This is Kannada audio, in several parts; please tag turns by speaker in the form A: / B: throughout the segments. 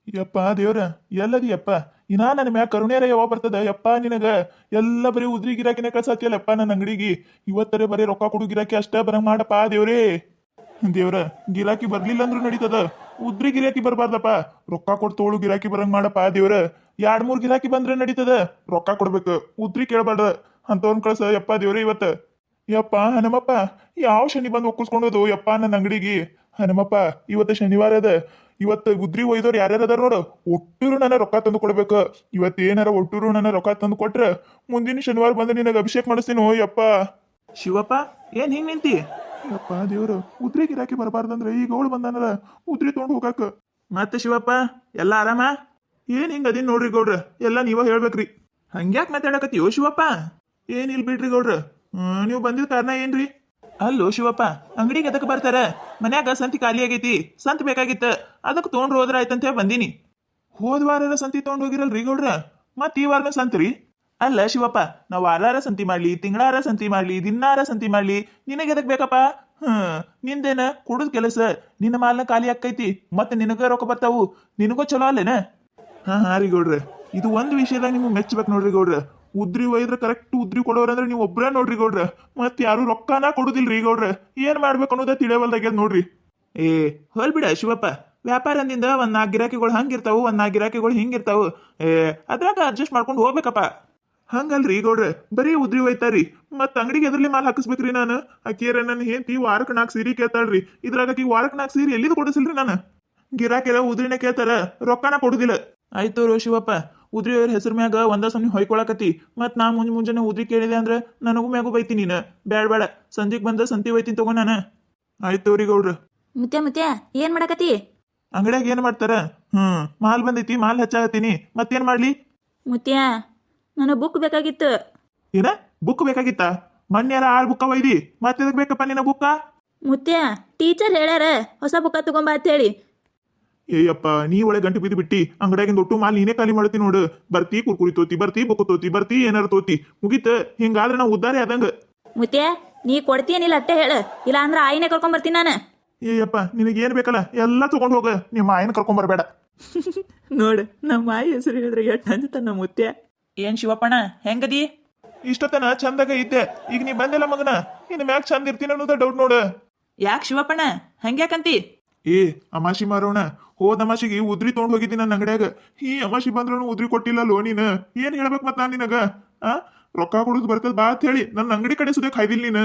A: ಯಪ್ಪ ದೇವ್ರ ಎಲ್ಲದಿ ಯಪ್ಪ ಇನ್ನ ನನ್ನ ಮ್ಯಾಗ ಕರುಣೇರ ಯಾವ ಬರ್ತದ ಯಪ್ಪ ನಿನಗ ಎಲ್ಲ ಬರೀ ಉದ್ರಿ ಗಿರಾಕಿನ ಕಳ್ಸತ್ತಿಯಲ್ಲಪ್ಪ ನನ್ನ ಅಂಗಡಿಗೆ ಇವತ್ತರೆ ಬರೀ ರೊಕ್ಕ ಕೊಡು ಗಿರಾಕಿ ಅಷ್ಟ ಬರಂಗ್ ಮಾಡಪ್ಪ ದೇವ್ರೇ. ದೇವ್ರ ಗಿರಾಕಿ ಬರ್ಲಿಲ್ಲ ಅಂದ್ರೂ ನಡೀತದ, ಉದ್ರಿ ಗಿರಾಕಿ ಬರ್ಬಾರ್ದಪ್ಪ, ರೊಕ್ಕ ಕೊಟ್ಟು ತೋಳು ಗಿರಾಕಿ ಬರಂಗ್ ಮಾಡಪ್ಪ ದೇವ್ರ. 2-3 ಗಿರಾಕಿ ಬಂದ್ರೆ ನಡೀತದ, ರೊಕ್ಕ ಕೊಡ್ಬೇಕು, ಉದ್ರಿ ಕೇಳಬಾರ್ದ ಅಂತವನ್ ಕಳ್ಸ ಯಪ್ಪ ದೇವ್ರೇ ಇವತ್ತ. ಯಪ್ಪ ಹನುಮಪ್ಪ ಯಾವ ಶನಿ ಬಂದು ಒಕ್ಕಿಸ್ಕೊಂಡೋದು ಯಪ್ಪ ನನ್ನ ಅಂಗಡಿಗೆ. ಹನುಮಪ್ಪ ಇವತ್ತು ಶನಿವಾರ ಅದ, ಇವತ್ತು ಗುದ್ರಿ ಒಯ್ದವ್ರು ಯಾರ್ಯಾರ ಅದಾರ ನೋಡು, ಒಟ್ಟೂರು ನನ್ನ ರೊಕ್ಕ ತಂದು ಕೊಡ್ಬೇಕು. ಇವತ್ತು ಏನಾರ ಒಟ್ಟೂರು ನನ್ನ ರೊಕ್ಕ ತಂದು ಕೊಟ್ರ ಮುಂದಿನ ಶನಿವಾರ ಬಂದು ನಿನಗೆ ಅಭಿಷೇಕ ಮಾಡಿಸ್ತೀನಿ ಯಪ್ಪ. ಶಿವಪ್ಪ ಏನ್ ಹಿಂಗ್ ನಿಂತಿ? ಯಪ್ಪ ದೇವ್ರು ಉದ್ರಿ ಗಿರಾಕಿ ಬರಬಾರ್ದಂದ್ರೆ ಈಗ ಅವಳು ಬಂದಾನಲ್ಲ ಉದ್ರಿ ತೊಗೊಂಡು ಹೋಗಾಕ. ಮತ್ತೆ ಶಿವಪ್ಪ ಎಲ್ಲ ಆರಾಮ? ಏನ್ ಹಿಂಗ ಅದಿನ್ ನೋಡ್ರಿ ಗೌಡ್ರ, ಎಲ್ಲ ನೀವ ಹೇಳ್ಬೇಕ್ರಿ. ಹಂಗ್ಯಾಕ್ ಮಾತಾಡಕತ್ತೀವೋ ಶಿವಪ್ಪ? ಏನಿಲ್ ಬಿಡ್ರಿ ಗೌಡ್ರ, ನೀವು ಬಂದಿದ್ ಕಾರಣ ಏನ್ರಿ? ಅಲ್ಲೋ ಶಿವಪ್ಪ, ಅಂಗಡಿಗೆ ಎದಕ್ಕೆ ಬರ್ತಾರ? ಮನ್ಯಾಗ ಸಂತಿ ಖಾಲಿ ಆಗೈತಿ, ಸಂತಿ ಬೇಕಾಗಿತ್ತ, ಅದಕ್ಕೆ ತೊಗೊಂಡ್ರು ಹೋದ್ರ ಆಯ್ತಂತ ಬಂದೀನಿ. ಹೋದ ವಾರ ಸಂತಿ ತೊಗೊಂಡು ಹೋಗಿರಲ್ರಿ ಗೌಡ್ರ, ಮತ್ ಈ ವಾರನ ಸಂತ್ರಿ? ಅಲ್ಲ ಶಿವಪ್ಪ, ನಾವು ವಾರಾರ ಸಂತಿ ಮಾಡ್ಲಿ, ತಿಂಗಳಾರ ಸಂತಿ ಮಾಡ್ಲಿ, ದಿನಾರ ಸಂತಿ ಮಾಡ್ಲಿ, ನಿನಗೆ ಎದಕ್ ಬೇಕಪ್ಪ? ನಿಂದೇನ ಕೊಡುದ್ ಕೆಲಸ, ನಿನ್ನ ಮಾಲ್ನ ಖಾಲಿ ಆಕೈತಿ, ಮತ್ತೆ ನಿನಗ ರೊಕ್ಕ ಬರ್ತಾವು, ನಿನಗೂ ಚಲೋ ಅಲ್ಲೇನ? ಹಾ ರೀ ಗೌಡ್ರ, ಇದು ಒಂದು ವಿಷಯದಾಗ ನಿಮ್ಗೆ ಮೆಚ್ಚಬೇಕು ನೋಡ್ರಿ ಗೌಡ್ರ. ಉದ್ರಿ ಒಯ್ದ್ರ ಕರೆಕ್ಟ್ ಉದ್ರಿ ಕೊಡೋರಂದ್ರೆ ನೀವು ಒಬ್ರ ನೋಡ್ರಿ ಗೌಡ್ರ, ಮತ್ ಯಾರು ರೊಕ್ಕನ ಕೊಡುದಿಲ್ರಿ ಗೌಡ್ರ. ಏನ್ ಮಾಡ್ಬೇಕು ಅನ್ನೋದ ತಿಳಿಯವಲ್ದಾಗ್ಯದ ನೋಡ್ರಿ. ಹೋಲ್ಬಿಡ ಶಿವಪ್ಪ, ವ್ಯಾಪಾರ ಅಂದಿಂದ ಒಂದ್ 4 ಗಿರಾಕಿಗಳು ಹಂಗಿರ್ತಾವು, ಒಂದ್ 4 ಗಿರಾಕಿಗಳು ಹಿಂಗಿರ್ತಾವು, ಅದ್ರಾಗ ಅಡ್ಜಸ್ಟ್ ಮಾಡ್ಕೊಂಡು ಹೋಗ್ಬೇಕಪ್ಪ. ಹಂಗಲ್ರಿ ಗೌಡ್ರ, ಬರೀ ಉದ್ರಿ ಒಯ್ತಾರಿ, ಮತ್ ಅಂಗಡಿಗೆ ಎದ್ರಲ್ಲಿ ಮಾಲ್ ಹಾಕಿಸ್ಬೇಕ್ರಿ ನಾನು. ಆಕಿಯರ ನನ್ನ ಹೆಂಡತಿ ವಾರಕ್ಕೆ 4 ಸೀರೆ ಕೇಳ್ತಾಳ್ರಿ, ಇದ್ರಾಗ ಆಕಿ ವಾರಕ್ಕೆ 4 ಸೀರೆ ಎಲ್ಲಿದು ಕೊಡಿಸಿಲ್ರಿ ನಾನು. ಗಿರಾಕಿರ ಉದ್ರಿನ ಕೇಳ್ತಾರ, ರೊಕ್ಕನ ಕೊಡುದಿಲ್ಲ. ಆಯ್ತು ರೋ ಶಿವಪ್ಪ, ಉದ್ರಿ ಅವ್ರ ಹೆಸರು ಮ್ಯಾಗ ಒಂದ ಸಮನಿ ಹೊಯ್ಕೊಳಕತಿ, ಮತ್ ನಾ ಮುಂಜಾನೆ ಉದ್ರಿ ಕೇಳಿದೆ ಅಂದ್ರೆ ನನಗೂ ಮ್ಯಾಗೂ ಬೈತಿ ನೀನು. ಬೇಡ ಸಂಜೆಗ್ ಬಂದ ಸಂತಿ ಒಯ್ತೀನಿ ತಗೋ ನಾನು. ಆಯ್ತು ರೀ ಗೌಡ್ರ.
B: ಮುತ್ಯ ಏನ್ ಮಾಡಕತಿ?
A: ಅಂಗಡಿಯಾಗ ಏನ್ ಮಾಡ್ತಾರ? ಮಾಲ್ ಬಂದೈತಿ, ಮಾಲ್ ಹಚ್ಚಾಕತ್ತೀನಿ, ಮತ್ತೇನ್ ಮಾಡ್ಲಿ?
B: ಮುತ್ಯ ನನಗೆ ಬುಕ್ ಬೇಕಾಗಿತ್ತು.
A: ಏನ ಬುಕ್ ಬೇಕಾಗಿತ್ತ? ಮೊನ್ನೆರ 6 ಬುಕ್ಕ ಒಯ್ದಿ, ಮತ್ತೆ ಎದಕ್ ಬೇಕಪ್ಪ ನಿನ್ನ ಬುಕ್ಕ?
B: ಮುತ್ಯ ಟೀಚರ್ ಹೇಳ್ಯಾರ ಹೊಸ ಬುಕ್ಕ ತಗೊಂಬ ಅಂತ ಹೇಳಿ.
A: ಏಯಪ್ಪ ನೀ ಒಳ್ಳೆ ಗಂಟು ಬಿದ್ದು ಬಿಟ್ಟಿ, ಅಂಗಡಿಯಾಗಿಂದ ಒಟ್ಟು ಮಾಲ್ ನೀನೇ ಖಾಲಿ ಮಾಡ್ತಿ ನೋಡು. ಬರ್ತಿ ಕುರ್ಕುರಿ ತೋತಿ, ಬರ್ತಿ ಬುಕ್ ತೋತಿ, ಬರ್ತಿ ಏನಾರ ತೋತಿ, ಮುಗೀತ. ಹಿಂಗಾದ್ರೆ ನಾವು ಉದ್ದಾರಿ ಆದಂಗ.
B: ಮುತ್ಯ ನೀ ಕೊಡ್ತೀಯನಿಲ್ಲ ಅಟ್ಟೆ ಹೇಳ, ಇಲ್ಲ ಅಂದ್ರೆ ಆಯಿನೇ ಕರ್ಕೊಂಡ್ ಬರ್ತೀನಿ ನಾನು.
A: ಏಯಪ್ಪ ನಿನಗೇನ್ ಬೇಕಲ್ಲ ಎಲ್ಲ ತಗೊಂಡ್ ಹೋಗ, ನಿಮ್ಮ ಆಯನ ಕರ್ಕೊಂಡ್ ಬರ್ಬೇಡ.
B: ನೋಡು ನಮ್ಮ ಆಯಿ ಹೆಸರು ಹೇಳಿದ್ರೆ ಎಷ್ಟು ಅಂಜತಾನ ಮುತ್ಯ. ಏನ್ ಶಿವಪ್ಪಣ್ಣ ಹೆಂಗದಿ?
A: ಇಷ್ಟತನ ಚಂದಾಗ ಇದ್ದೆ, ಈಗ ನೀ ಬಂದಿಲ್ಲ ಮಗನ, ಇನ್ ಮ್ಯಾಗ ಚಂದ ಇರ್ತೀನಿ ಅನ್ನೋದ ಡೌಟ್ ನೋಡು.
B: ಯಾಕೆ ಶಿವಪ್ಪಣ್ಣ ಹಂಗ್ಯಾಕಂತಿ?
A: ಅಮಾಶಿ ಮಾರೋಣ, ಹೋದ ಅಮಾಶಿಗೆ ಉದ್ರಿ ತೊಗೊಂಡ್ ಹೋಗಿದ್ದೀನಿ ನನ್ನ ಅಂಗಡಿಯಾಗ. ಈ ಅಮಾಶಿ ಬಂದ್ರೂ ಉದ್ರಿ ಕೊಟ್ಟಿಲ್ಲ ಲೋ ನೀನು. ಏನ್ ಹೇಳ್ಬೇಕು ಮತ್ ನಾನ್ ನಿನಗ? ರೊಕ್ಕ ಕೊಡುದು ಬರ್ತದ ಬಾ ಅಂತ ಹೇಳಿ ನನ್ನ ಅಂಗಡಿ ಕಡೆ ಸುದೇ ಖಾಯ್ದಿಲ್ಲ ನೀನು.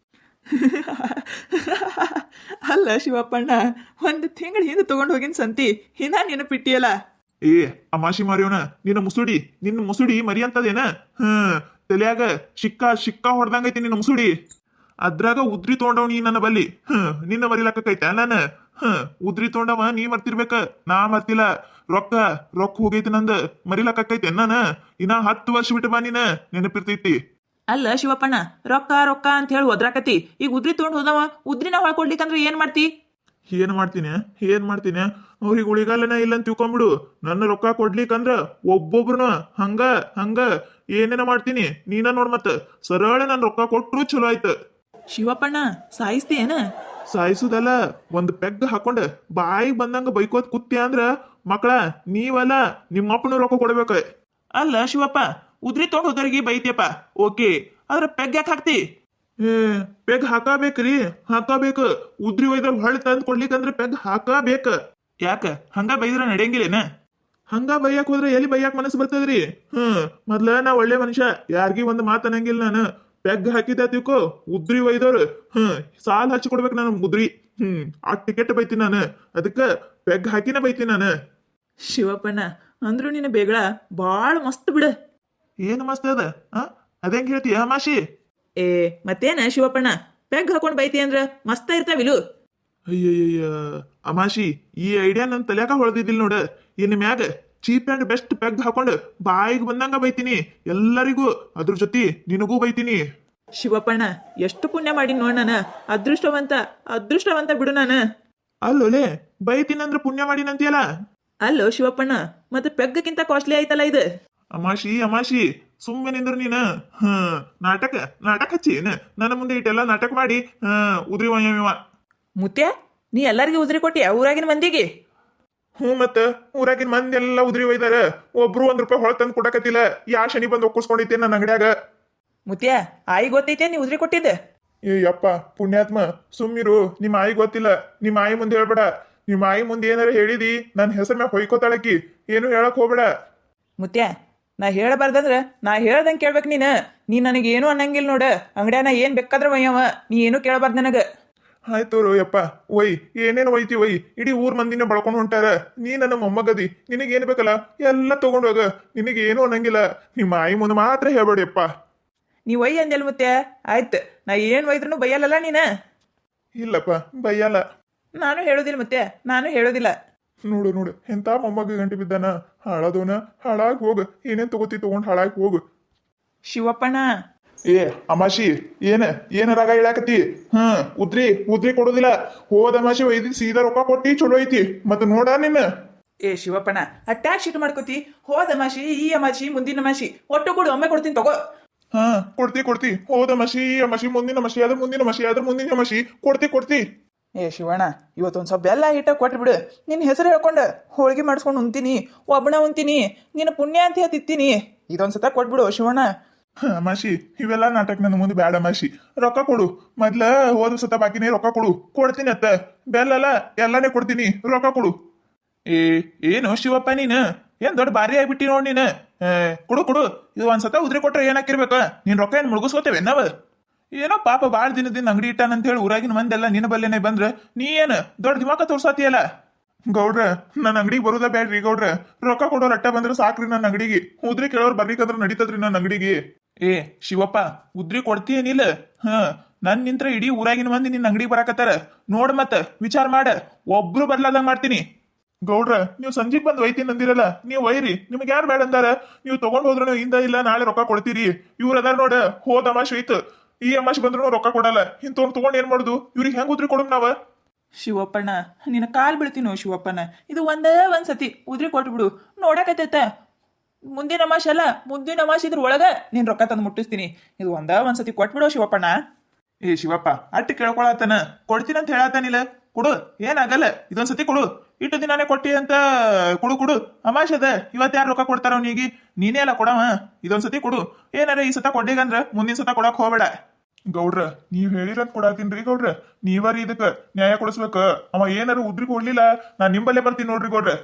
B: ಅಲ್ಲ ಶಿವಪ್ಪಣ್ಣ, ಒಂದು ತಿಂಗಳ ಹಿಂದೆ ತಗೊಂಡ್ ಹೋಗಿನ ಸಂತಿ ಇನ್ನ ನೆನಪಿಟ್ಟಿಯಲ್ಲ.
A: ಅಮಾಶಿ ಮಾರಿಯೋಣ, ನಿನ್ನ ಮುಸುಡಿ ಮರಿ ಅಂತದೇನ? ತಲೆಯಾಗ ಶಿಕ್ಕ ಹೊಡ್ದಂಗೈತಿ ನಿನ್ನ ಮುಸುಡಿ. ಅದ್ರಾಗ ಉದ್ರಿ ತೊಗೊಂಡವ್ ನೀ ನನ್ನ ಬಲ್ಲಿ, ನಿನ್ನ ಮರಿಲಾಕೈತ ನಾನು? ಉದ್ರಿ ತೊಗೊಂಡವ ನೀ ಮರ್ತಿರ್ಬೇಕ, ನಾ ಮರ್ತಿಲ್ಲ. ರೊಕ್ಕ ಹೋಗೈತಿ ನಂದ, ಮರಿಲಾಕೈತೆ ನಾನು. ಇನ್ನ 10 ವರ್ಷ ಬಿಟ್ಟು ಬಾ ನೀನ, ನೆನಪಿರ್ತೈತಿ.
B: ಅಲ್ಲ ಶಿವಪ್ಪಣ್ಣ, ರೊಕ್ಕ ಅಂತ ಹೇಳಿ ಒದ್ರಾಕತಿ, ಈಗ ಉದ್ರಿ ತೊಗೊಂಡ್ ಹೋದವ ಉದ್ರಿನ ಹೊಳ್ಕೊಡ್ಲಿಕ್ಕಂದ್ರೆ ಏನ್ ಮಾಡ್ತಿ?
A: ಏನ್ ಮಾಡ್ತೀನಿ ಅವ್ರಿಗೆ ಉಳಿಗಾಲನ ಇಲ್ಲ ಅಂತ ತಿಳ್ಕೊಂಬಿಡು. ನನ್ನ ರೊಕ್ಕ ಕೊಡ್ಲಿಕ್ಕಂದ್ರ ಒಬ್ಬೊಬ್ರನ ಹಂಗ ಏನೇನ ಮಾಡ್ತೀನಿ. ನೀನ ನೋಡ್ ಮತ್ತ ಸರಳ ನನ್ ರೊಕ್ಕ ಕೊಟ್ರು ಚಲೋ ಆಯ್ತು.
B: ಶಿವಪ್ಪಣ್ಣ ಸಾಯಿಸ್ತೀಯೇನ?
A: ಸಾಯಿಸುದಲ್ಲ, ಒಂದ್ ಪೆಗ್ ಹಾಕೊಂಡ ಬಾಯಿಗೆ ಬಂದಂಗ ಬೈಕೋತ್ ಕುತ್ತಿ ಅಂದ್ರ ಮಕ್ಕಳ ನೀವಲ್ಲ ನಿಮ್ಮಪ್ಪನ ರೊಕ್ಕ ಕೊಡ್ಬೇಕ.
B: ಅಲ್ಲ ಶಿವಪ್ಪ, ಉದ್ರಿ ತೊಗೊಂಡ್ ಹೋದವ್ರಿಗೆ ಬೈತಿಯಪ್ಪ, ಓಕೆ, ಆದ್ರ ಪೆಗ್ ಯಾಕೆ ಹಾಕ್ತಿ?
A: ಪೆಗ್ ಹಾಕಬೇಕು. ಉದ್ರಿ ಒಯ್ದವ್ರು ಹೊಳ್ ತಂದ್ ಕೊಡ್ಲಿಕ್ಕಂದ್ರ ಪೆಗ್ ಹಾಕಬೇಕ.
B: ಯಾಕ ಹಂಗ ಬೈದ್ರ ನಡೆಯಂಗಿಲ್ಲೇನ?
A: ಹಂಗ ಬೈಯಾಕ್ ಹೋದ್ರೆ ಎಲ್ಲಿ ಬೈಯಾಕ್ ಮನಸ್ಸು ಬರ್ತದ್ರಿ? ಮೊದ್ಲ ನಾ ಒಳ್ಳೆ ಮನುಷ್ಯ, ಯಾರಿಗಿ ಒಂದ್ ಮಾತು ಅನ್ನಂಗಿಲ್ಲ ನಾನು. ಪೆಗ್ ಹಾಕಿದ ತಿಳ್ಕೊ, ಉದ್ರಿ ಒಯ್ದವ್ರು ಸಾಲ್ ಹಚ್ಚಿ ಕೊಡ್ಬೇಕು ನಾನು ಉದ್ರಿ. ಆ ಟಿಕೆಟ್ ಬೈತೀನಿ ನಾನು, ಅದಕ್ಕ ಪೆಗ್ ಹಾಕಿನ ಬೈತೀನಿ ನಾನು.
B: ಶಿವಪ್ಪಣ್ಣ ಅಂದ್ರು ನಿನ್ನ ಬೇಗಳ ಬಾಳ ಮಸ್ತ್ ಬಿಡ.
A: ಏನ್ ಮಸ್ತ್ ಅದ? ಅದೇಂಗ್ ಹೇಳ್ತೀಯ ಅಮಾಶಿ?
B: ಮತ್ತೇನ ಶಿವಪ್ಪಣ್ಣ, ಪೆಗ್ ಹಾಕೊಂಡ್ ಬೈತಿ ಅಂದ್ರ ಮಸ್ತ ಇರ್ತಾವಿಲು.
A: ಅಯ್ಯಯ್ಯ ಅಮಾಶಿ, ಈ ಐಡಿಯಾ ನನ್ ತಲ್ಯಾಕ ಹೊಳ್ದಿದ್ದಿಲ್ ನೋಡ. ಇನ್ ಮ್ಯಾಗ ಚೀಪ್ ಅಂಡ್ ಬೆಸ್ಟ್ ಪೆಗ್ ಹಾಕೊಂಡು ಬಾಯಿಗೆ ಬಂದಂಗ ಬೈತೀನಿ ಎಲ್ಲರಿಗೂ, ಅದ್ರ ಜೊತೆ ನಿನಗೂ ಬೈತೀನಿ.
B: ಶಿವಪ್ಪಣ್ಣ ಎಷ್ಟು ಪುಣ್ಯ ಮಾಡಿ ನೋಡ್ ನಾನ, ಅದೃಷ್ಟವಂತ ಬಿಡು ನಾನು.
A: ಅಲ್ಲೋಲೆ ಬೈತೀನಿ ಅಂದ್ರ ಪುಣ್ಯ ಮಾಡಿನಂತಿಯಲ್ಲ.
B: ಅಲ್ಲೋ ಶಿವಪ್ಪಣ್ಣ, ಮತ್ತೆ ಪೆಗ್ಗಕ್ಕಿಂತ ಕಾಸ್ಟ್ಲಿ ಆಯ್ತಲ್ಲ ಇದು.
A: ಅಮಾಶಿ ಸುಮ್ಮನೆ ನಿಂದ್ರ ನೀನ. ನಾಟಕ ಹಚ್ಚಿ ನನ್ನ ಮುಂದೆ ಇಟ್ಟೆಲ್ಲ ನಾಟಕ ಮಾಡಿ ಉದ್ರಿ
B: ಮುತ್ಯ ನೀ ಎಲ್ಲರಿಗೂ ಉದ್ರಿ ಕೊಟ್ಟಿ ಊರಾಗಿನ ಮಂದಿಗೆ?
A: ಹ್ಞೂ ಮತ್ತ ಊರಾಗಿನ ಮಂದಿ ಎಲ್ಲ ಉದ್ರಿ ಒಯ್ದಾರ. ಒಬ್ರು ₹1 ಹೊಳ ತಂದು ಕೊಡಕತ್ತಿಲ್ಲ. ಯಾ ಶನಿ ಬಂದು ಒಕ್ಕಿಸ್ಕೊಂಡೈತೆ ನನ್ನ ಅಂಗಡ್ಯಾಗ.
B: ಮುತ್ಯ ಆಯಿ ಗೊತ್ತೈತೆ ನೀ ಉದ್ರಿ ಕೊಟ್ಟಿದ್ದೆ.
A: ಏ ಯಪ್ಪ ಪುಣ್ಯಾತ್ಮ, ಸುಮ್ಮಿರು. ನಿಮ್ಮ ಆಯಿ ಗೊತ್ತಿಲ್ಲ. ನಿಮ್ಮ ಆಯಿ ಮುಂದೆ ಹೇಳ್ಬೇಡ. ನಿಮ್ಮ ಆಯಿ ಮುಂದೆ ಏನಾರ ಹೇಳಿದಿ ನನ್ನ ಹೆಸರು ಮ್ಯಾಗ ಹೊಯ್ಕೋತಾಳಕಿ. ಏನು ಹೇಳಕ್ ಹೋಗ್ಬೇಡ.
B: ಮುತ್ಯ ನಾ ಹೇಳಬಾರ್ದಂದ್ರ ನಾ ಹೇಳ್ದಂಗೆ ಕೇಳ್ಬೇಕು ನೀ ನನಗೇನು ಅನ್ನಂಗಿಲ್ಲ ನೋಡ. ಅಂಗಡ್ಯಾನ ಏನ್ ಬೇಕಾದ್ರ ಒಯ್ಯವ, ನೀ ಏನು ಕೇಳಬಾರ್ದು ನನಗ.
A: ಆಯ್ತು ಯಪ್ಪ ಒಯ್. ಏನೇನು ಒಯ್ತಿ ಒಯ್. ಇಡೀ ಊರ್ ಮಂದಿನ ಬಳ್ಕೊಂಡು ಹೊಂಟಾರ. ನೀ ನನ್ನ ಮೊಮ್ಮಗದಿ, ನಿನಗೇನು ಬೇಕಲ್ಲ ಎಲ್ಲ ತಗೊಂಡು ಹೋಗ. ನಿನಗೇನು ಅನ್ನಂಗಿಲ್ಲ. ನಿಮ್ಮ ಆಯಿ ಮುಂದೆ ಮಾತ್ರ ಹೇಳ್ಬೇಡಿಯಪ್ಪ.
B: ನೀ ಒಯ್ಯ ಅಂದೆಲ್ ಮುತ್ಯ. ಆಯ್ತು ನಾ ಏನ್ ಒಯ್ದ್ರೂ ಬೈಯಲ್ಲಲ್ಲ
A: ಇಲ್ಲಪ್ಪ ಬೈಯಲ್ಲ.
B: ನಾನು ಹೇಳೋದಿಲ್ಲ ಮುತ್ಯ, ನಾನು ಹೇಳೋದಿಲ್ಲ.
A: ನೋಡು ನೋಡು ಎಂತ ಮೊಮ್ಮಗ ಗಂಟೆ ಬಿದ್ದಾನ. ಹಾಳಾದವನ ಹಾಳಾಗಿ ಹೋಗು. ಏನೇನ್ ತಗೋತಿ ತಗೊಂಡ್ ಹಾಳಾಗಿ ಹೋಗು.
B: ಶಿವಪ್ಪಣ್ಣ
A: ಏ ಅಮಾಶಿ, ಏನ ರಾಗ ಇಳಾಕತಿ? ಉದ್ರಿ ಕೊಡೋದಿಲ್ಲ. ಹೋದ ಅಮಾಶಿ ಒಯ್ದಿ ಸೀದಾ ರೊಕ್ಕ ಕೊಟ್ಟಿ ಚಲೋ ಐತಿ. ಮತ್ತ ನೋಡ ನಿನ್ನ.
B: ಏ ಶಿವಪ್ಪಣ್ಣ ಅಟ್ಯಾಕ್ ಶಿಟ್ ಮಾಡ್ಕೋತಿ. ಹೋದ ಅಮಾಶಿ ಈ ಅಮಾಶಿ ಮುಂದಿನ ಅಮಾಶಿ ಒಟ್ಟು ಕೂಡ ಒಮ್ಮೆ ಕೊಡ್ತೀನಿ ತಗೋ.
A: ಕೊಡ್ತಿ. ಹೋದ ಅಮಾಶಿ ಈ ಅಮಾಶಿ ಮುಂದಿನ ಅಮಾಶಿ ಅದ್ರ ಮುಂದಿನ ಅಮಾಶಿ ಅದ್ರ ಮುಂದಿನ ಅಮಾಶಿ ಕೊಡ್ತಿ.
B: ಏ ಶಿವಣ್ಣ ಇವತ್ತೊಂದು ಸ್ವಲ್ಪ ಬೆಲ್ಲ ಹಿಟ್ಟ ಕೊಟ್ಬಿಡು. ನಿನ್ನ ಹೆಸರು ಹೇಳ್ಕೊಂಡು ಹೋಳಿಗೆ ಮಾಡಿಸ್ಕೊಂಡು ಉಣ್ತೀನಿ, ಒಬ್ಬಣ ಉಣ್ತೀನಿ, ನಿನ್ನ ಪುಣ್ಯ ಅಂತ ಹೇಳ್ತಿತ್ತೀನಿ. ಇದೊಂದ್ಸತ ಕೊಟ್ಬಿಡು ಶಿವಣ್ಣ.
A: ಅಮಾಶಿ ಇವೆಲ್ಲ ನಾಟಕ ನನ್ನ ಮುಂದೆ ಬ್ಯಾಡ ಅಮಾಶಿ. ರೊಕ್ಕ ಕೊಡು ಮೊದ್ಲ. ಹೋದ ಸತ ಬಾಕಿನೇ ರೊಕ್ಕ ಕೊಡ್ತೀನಿ ಅತ್ತ. ಬೆಲ್ಲಲ್ಲ ಎಲ್ಲಾನೇ ಕೊಡ್ತೀನಿ. ರೊಕ್ಕ ಕೊಡು. ಏನು ಶಿವಪ್ಪ ನೀನು ಏನ್ ದೊಡ್ಡ ಬಾರಿ ಆಗ್ಬಿಟ್ಟಿ ನೋಡ್ ನೀನು. ಕೊಡು. ಇದು ಒಂದ್ಸತ ಉದ್ರಿ ಕೊಟ್ರೆ ಏನಾಕಿರ್ಬೇಕ? ನೀನ್ ರೊಕ್ಕ ಏನ್ ಮುಳುಗಿಸ್ಕೋತೇವೆ ನಾವ್? ಏನೋ ಪಾಪ ಬಾಳ ದಿನದಿಂದ ಅಂಗಡಿ ಇಟ್ಟಾನಂತ ಹೇಳಿ ಊರಾಗಿನ ಮಂದೆಲ್ಲ ನಿನ್ನ ಬಲ್ಲೆನೆ ಬಂದ್ರ ನೀ ಏನ್ ದೊಡ್ಡ ದಿಮಾಕ ತೋರ್ಸಾತಿಯಲ್ಲ. ಗೌಡ್ರ ನನ್ನ ಅಂಗಡಿಗೆ ಬರುದ ಬ್ಯಾಡ್ರಿ ಗೌಡ್ರ. ರೊಕ್ಕ ಕೊಡೋರ್ ಅಟ್ಟ ಬಂದ್ರ ಸಾಕ್ರಿ ನನ್ನ ಅಂಗಡಿಗೆ. ಉದ್ರಿ ಕೇಳೋರ್ ಬರ್ಲಿಕ್ಕಂದ್ರ ನಡೀತದ್ರಿ ನನ್ನ ಅಂಗಡಿಗೆ. ಶಿವಪ್ಪ ಉದ್ರಿ ಕೊಡ್ತೀಯೇನಿಲ್ಲ? ನನ್ ನಿಂತ್ರ ಇಡೀ ಊರಾಗಿನ ಮಂದಿ ನಿನ್ನ ಅಂಗಡಿಗೆ ಬರಾಕತ್ತಾರ. ನೋಡ್ ಮತ್ತ ವಿಚಾರ ಮಾಡ. ಒಬ್ರು ಬರ್ಲಾದಂಗ ಮಾಡ್ತೀನಿ. ಗೌಡ್ರ ನೀವು ಸಂಜೆಗ್ ಬಂದ್ ಒಯ್ತೀನಿ ಅಂದಿರಲ್ಲ, ನೀವು ಒಯ್ರಿ. ನಿಮ್ಗೆ ಯಾರು ಬೇಡ ಅಂದಾರ? ನೀವು ತಗೊಂಡ್ ಹೋದ್ರು ಇಂದ ಇಲ್ಲ ನಾಳೆ ರೊಕ್ಕ ಕೊಡ್ತೀರಿ. ಇವ್ರ ಅದಾರ ನೋಡ, ಹೋದ ಅಮಾಶ್ ಐತ್ ಈ ಅಮಾಶ್ ಬಂದ್ರು ರೊಕ್ಕ ಕೊಡಲ್ಲ. ಇಂಥವ್ರು ತಗೊಂಡ್ ಏನ್ ಮಾಡುದು? ಇವ್ರಿಗೆ ಹೆಂಗ್ ಉದ್ರಿ ಕೊಡಮ್ ನಾವ?
B: ಶಿವಪ್ಪಣ್ಣ ನಿನ್ನ ಕಾಲ್ ಬೀಳ್ತೀನೋ ಶಿವಪ್ಪಣ್ಣ. ಇದು ಒಂದೇ ಒಂದ್ಸತಿ ಉದ್ರಿ ಕೊಟ್ಬಿಡು. ನೋಡಕತ್ತೈತ ಮುಂದಿನ ಅಮಾಶ್ ಅಲ್ಲ, ಮುಂದಿನ ಅಮಾಶ್ ಇದ್ರ ಒಳಗ ನೀನ್ ರೊಕ್ಕ ತಂದು ಮುಟ್ಟಿಸ್ತೀನಿ. ಇದು ಒಂದ್ಸತಿ ಕೊಟ್ಬಿಡು ಶಿವಪ್ಪಣ್ಣ. ಶಿವಪ್ಪ ಅಟ್ಟು ಕೇಳ್ಕೊಳತನ ಕೊಡ್ತೀನಿ ಅಂತ ಹೇಳತ್ತಾನಿಲ್ಲ. ಕೊಡು, ಏನಾಗಲ್ಲ. ಇದೊಂದ್ಸತಿ ಕೊಡು. ಇಟ್ಟು ದಿನಾನೇ ಕೊಟ್ಟಿ ಅಂತ ಕೊಡು. ಅಮಾಶ್ ಅದ, ಇವತ್ತು ಯಾರು ರೊಕ್ಕ ಕೊಡ್ತಾರ ಅವನಿಗೆ? ನೀನೇ ಅಲ್ಲ ಕೊಡವ. ಇದೊಂದ್ಸತಿ ಕೊಡು. ಏನಾರ ಈ ಸತ ಕೊಟ್ಟಿಗಂದ್ರ ಮುಂದಿನ ಸತ ಕೊಡಕ್ ಹೋಗ್ಬೇಡ. ಗೌಡ್ರ ನೀವ್ ಹೇಳಿರಂತ ಕೊಡಾತೀನ್ರಿ ಗೌಡ್ರ. ನೀವರಿ ಇದಕ್ಕ ನ್ಯಾಯ ಕೊಡಿಸ್ಬೇಕ. ಅವ ಏನಾರ ಉದ್ರಿ ಕೊಡ್ಲಿಲ್ಲ ನಾನ್ ನಿಂಬಲ್ಲೇ ಬರ್ತೀನಿ ನೋಡ್ರಿ ಗೌಡ್ರ.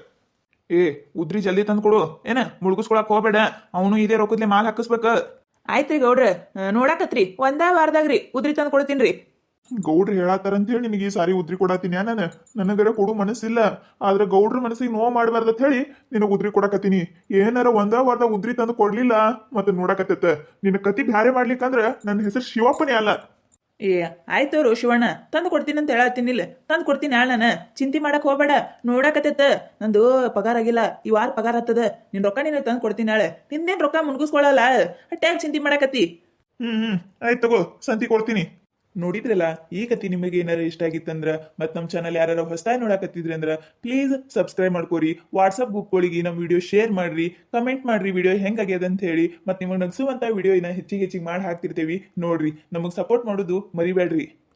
B: ಉದ್ರಿ ಜಲ್ದಿ ತಂದು ಕೊಡು. ಮುಳುಗಿಸ್ಕೊಳಕ್ ಹೋಗ್ಬೇಡ. ಅವನು ಇದೇ ರೊಕ್ಕದ್ಲೆ ಮಾಲ್ ಹಾಕಿಸ್ಬೇಕ. ಆಯ್ತ್ರಿ ಗೌಡ್ರ, ನೋಡಾಕತ್ರಿ ಒಂದೇ ವಾರದಾಗ್ರಿ ಉದ್ರಿ ತಂದು ಕೊಡ್ತೀನ್ರಿ.
A: ಗೌಡ್ರ ಹೇಳತ್ತಾರಂತ ಹೇಳಿ ನಿನಗೆ ಈ ಸಾರಿ ಉದ್ರಿ ಕೊಡಾತೀನಿ. ನನಗರ ಕೊಡು ಮನಸ್ಸಿಲ್ಲ. ಆದ್ರೆ ಗೌಡ್ರ ಮನಸ್ಸಿಗೆ ನೋವು ಮಾಡಬಾರ್ದಂತ ಹೇಳಿ ನಿನಗ್ ಉದ್ರಿ ಕೊಡಕತ್ತೀನಿ. ಏನಾರ ಒಂದೇ ವಾರದಾಗ ಉದ್ರಿ ತಂದು ಕೊಡ್ಲಿಲ್ಲ ಮತ್ತೆ ನೋಡಕತ್ತ ನಿನ್ನ ಕತಿ ಬ್ಯಾರೆ ಮಾಡ್ಲಿಕ್ಕಂದ್ರ ನನ್ನ ಹೆಸರು ಶಿವಪ್ಪನೇ ಅಲ್ಲ.
B: ಆಯ್ತವ್ರು ಶಿವಣ್ಣ, ತಂದು ಕೊಡ್ತೀನಿ ಅಂತ ಹೇಳತ್ತೀನಿಲ್ಲ. ತಂದು ಕೊಡ್ತೀನಿ ನಾನು. ಚಿಂತೆ ಮಾಡಕ್ ಹೋಗ್ಬೇಡ. ನೋಡಾಕತ್ತೈತ ನಂದು ಪಗಾರ ಆಗಿಲ್ಲ. ಈ ವಾರ ಪಗಾರ ಹತ್ತದ. ನಿನ್ ರೊಕ್ಕ ನೀನು ತಂದು ಕೊಡ್ತೀನಿ ನಾಳೆ. ನಿಂದೇನ್ ರೊಕ್ಕ ಮುನ್ಗಿಸ್ಕೊಳಲ್ಲ. ಟ್ಯಾಗ್ ಚಿಂತೆ ಮಾಡಕತ್ತಿ.
A: ಆಯ್ತು ತಗೋ, ಸಂತಿ ಕೊಡ್ತೀನಿ.
B: ನೋಡಿದ್ರಲ್ಲ, ಈ ಕತಿ ನಿಮಗೆ ಏನಾರ ಇಷ್ಟ ಆಗಿತ್ತಂದ್ರ ಮತ್ತು ನಮ್ಮ ಚಾನಲ್ ಯಾರು ಹೊಸದಾಗಿ ನೋಡಕತ್ತಿದ್ರಿ ಅಂದ್ರ ಪ್ಲೀಸ್ ಸಬ್ಸ್ಕ್ರೈಬ್ ಮಾಡ್ಕೋರಿ. ವಾಟ್ಸಪ್ ಗ್ರೂಪ್ಗಳಿಗೆ ನಮ್ಮ ವಿಡಿಯೋ ಶೇರ್ ಮಾಡ್ರಿ, ಕಮೆಂಟ್ ಮಾಡ್ರಿ ವಿಡಿಯೋ ಹೆಂಗಾಗ್ಯದ ಅಂತ ಹೇಳಿ. ಮತ್ತು ನಿಮಗೆ ನಗಿಸುವಂಥ ವಿಡಿಯೋ ಹೆಚ್ಚಿಗೆ ಮಾಡಿ ಹಾಕ್ತಿರ್ತೇವಿ ನೋಡ್ರಿ. ನಮಗೆ ಸಪೋರ್ಟ್ ಮಾಡೋದು ಮರಿಬೇಡ್ರಿ.